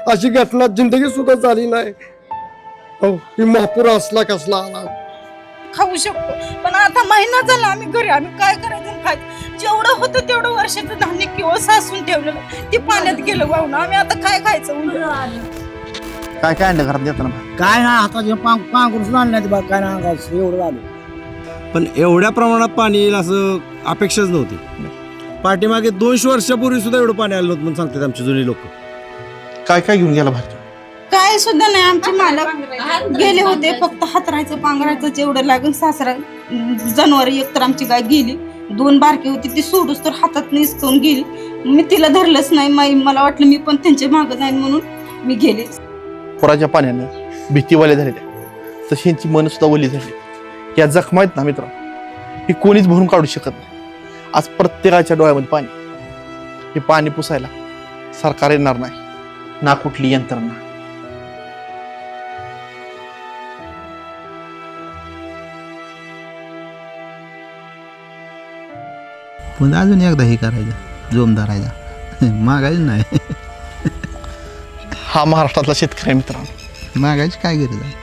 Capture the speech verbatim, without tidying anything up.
अशी घटना जिंदगी सुद्धा झाली नाही. हो, ही महापूर असला कसला आला. खाऊ शकतो पण आता महिना झाला आम्ही घरी, आम्ही काय करायचं आणि खायचं. जेवढं होतं तेवढं वर्षाचं धान्य किंवा सासून ठेवलेलं ते पाण्यात गेलं वाहून. आम्ही आता काय खायचं? काय काय आणलं घरात देताना? काय ना आता पांग पांघरून आणलं नाही बा, काय ना अंगाचं एवढं झालं. पण एवढ्या प्रमाणात पाणी येईल असं अपेक्षाच नव्हती. पाठीमागे दोनशे वर्षापूर्वी सुद्धा एवढं पाणी आलं नव्हतं म्हणून सांगतात आमचे जुने लोक. काय काय घेऊन गेला भाजी? काय सुद्धा नाही. आमचे मालक गेले होते, फक्त हातरायचं पांघरायचं जेवढं लागेल. सासरा जनावर एक तर आमची गाय गेली, दोन बारकी होती ती सोडूस तर हातात निसकून गेली. मी तिला धरलंच नाही. माई मला वाटलं मी पण त्यांच्या मागं जाईन म्हणून मी गेले. पुराच्या पाण्यानं भीतीवाले झालेल्या तशी यांची मन सुद्धा ओली झाली. या जखमा आहेत ना मित्र, ही कोणीच भरून काढू शकत नाही. आज प्रत्येकाच्या डोळ्यामध्ये पाणी. हे पाणी पुसायला सरकार येणार नाही ना कुठली यंत्रणा. पण अजून एकदा हे करायचं, जोम धरायचा, मागायचं नाही. हा महाराष्ट्रातला शेतकरी मित्रांनो. मागायची काय गरज आहे?